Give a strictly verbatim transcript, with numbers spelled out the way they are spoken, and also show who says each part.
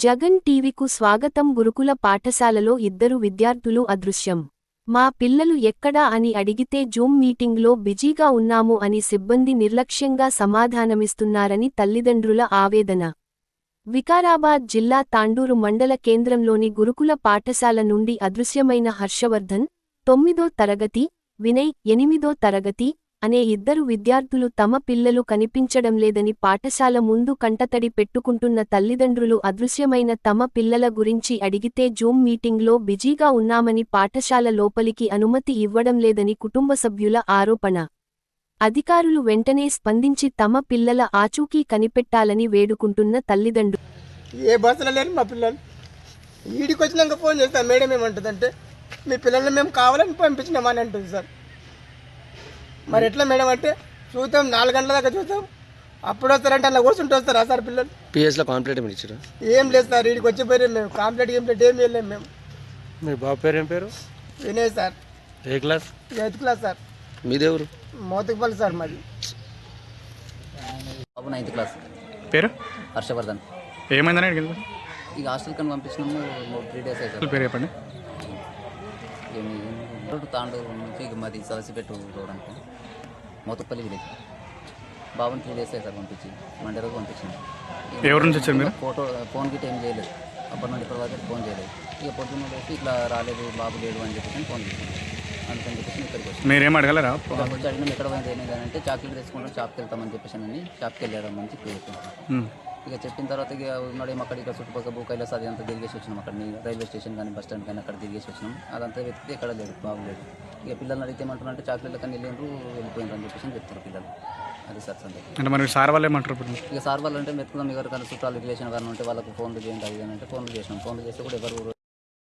Speaker 1: జగన్ టీవీకు స్వాగతం. గురుకుల పాఠశాలలో ఇద్దరు విద్యార్థులు అదృశ్యం. మా పిల్లలు ఎక్కడా అని అడిగితే జూమ్ మీటింగ్లో బిజీగా ఉన్నాము అని సిబ్బంది నిర్లక్ష్యంగా సమాధానమిస్తున్నారని తల్లిదండ్రుల ఆవేదన. వికారాబాద్ జిల్లా తాండూరు మండల కేంద్రంలోని గురుకుల పాఠశాల నుండి అదృశ్యమైన హర్షవర్ధన్, తొమ్మిదో తరగతి, వినయ్, ఎనిమిదో తరగతి అనే ఇద్దరు విద్యార్థులు తమ పిల్లలు కనిపించడం లేదని పాఠశాల ముందు కంటతడి పెట్టుకుంటున్న తల్లిదండ్రులు అదృశ్యమైన తమ పిల్లల గురించి అడిగితే జూమ్ మీటింగ్లో బిజీగా ఉన్నామని పాఠశాల లోపలికి అనుమతి ఇవ్వడం లేదని కుటుంబ సభ్యుల ఆరోపణ. అధికారులు వెంటనే స్పందించి తమ పిల్లల ఆచూకీ కనిపెట్టాలని వేడుకుంటున్న తల్లిదండ్రులు.
Speaker 2: ఏ బస్సులో లేరు మా పిల్లలు. ఈడికి వచ్చినాక ఫోన్ చేస్తాను, మేడం ఏమంటుందంటే మీ పిల్లల్ని మేము కావాలని పంపించినామని అంటుంది సార్. మరి ఎట్లా మేడం అంటే చూద్దాం, నాలుగు గంటల దాకా చూద్దాం, అప్పుడు వస్తారంటే అలా కూర్చుంటూ వస్తారా సార్ పిల్లలు?
Speaker 3: పిఎస్లో కాంప్లీట్ ఏమి ఇచ్చారు?
Speaker 2: ఏం లేదు సార్, వీడికి వచ్చిపోయారు. మేము కాంప్లీట్ కంప్లీట్ ఏం వెళ్ళాము మేము.
Speaker 3: మీ బాబు పేరు ఏం పేరు?
Speaker 2: వినయ్ సార్.
Speaker 3: ఏ క్లాస్?
Speaker 2: Eighth class sir.
Speaker 3: మీదేవరు?
Speaker 2: మోతకుపల్లి సార్ మాది.
Speaker 4: బాబు నైన్త్ క్లాస్.
Speaker 5: పేరు?
Speaker 4: హర్షవర్ధన్.
Speaker 5: ఏమైందని అడిగింది?
Speaker 4: ఇక హాస్టల్ కని పంపించినాము, త్రీ డేస్ అయితే.
Speaker 5: పేరు చెప్పండి.
Speaker 4: ఏమి తాండూరు నుంచి ఇక మాది సలసిపెట్టు చూడడానికి మోతపల్లి విలేజ్. బాబుని త్రీ డేస్ అయితే సార్ పంపించి మండే రోజు పంపించాను.
Speaker 5: ఎవరి నుంచి వచ్చారు మీరు?
Speaker 4: ఫోటో ఫోన్ గిట్ ఏం చేయలేదు, అప్పటి నుండి ఇప్పటి వరకు ఫోన్ చేయలేదు. ఇక పొద్దున్న లేసి ఇట్లా రాలేదు, బాబు లేడు అని చెప్పేసి ఫోన్ చేశాను. అందుకని చెప్పేసి ఇక్కడికి వచ్చి
Speaker 5: మీరేం అడగలరా?
Speaker 4: వచ్చి అడిగినాం ఎక్కడ పోయింది ఏమైంది అంటే చాక్లెట్ తెచ్చుకుంటాం, షాప్కి వెళ్తామని చెప్పేసి అని షాప్కి వెళ్ళాడు మంచి చెప్పాను. ఇక చెప్పిన తర్వాత ఇక ఉన్నాడేమో అక్కడ ఇక్కడ చుట్టుపక్కల భూకైలాస్ అది అంతా తిరిగేసి వచ్చినాం. అక్కడ రైల్వే స్టేషన్ కానీ బస్ స్టాండ్ కానీ అక్కడ తిరిగేసి వచ్చినాం. అదంతా వెతికితే ఎక్కడ లేదు, బాగులేదు. ఇక పిల్లల్ని అడిగితే ఏమంటున్నారంటే చాక్లెట్లు కానీ వెళ్ళిండ్రు, వెళ్ళిపోయిండ్రు అని చెప్పేసి చెప్తారు పిల్లలు. అది సార్ సంగతి.
Speaker 5: అంటే మరి సార్ వాళ్ళు ఏమంటారు ఇప్పుడు?
Speaker 4: ఇక సార్ వాళ్ళు అంటే వెతుకుదాం, ఎవరికైనా చుట్టాలు రిలేషన్ కానీ ఉంటే వాళ్ళకు ఫోన్లు చేయండి అది అంటే ఫోన్లు చేసినాం. ఫోన్లు చేస్తే కూడా ఎవరు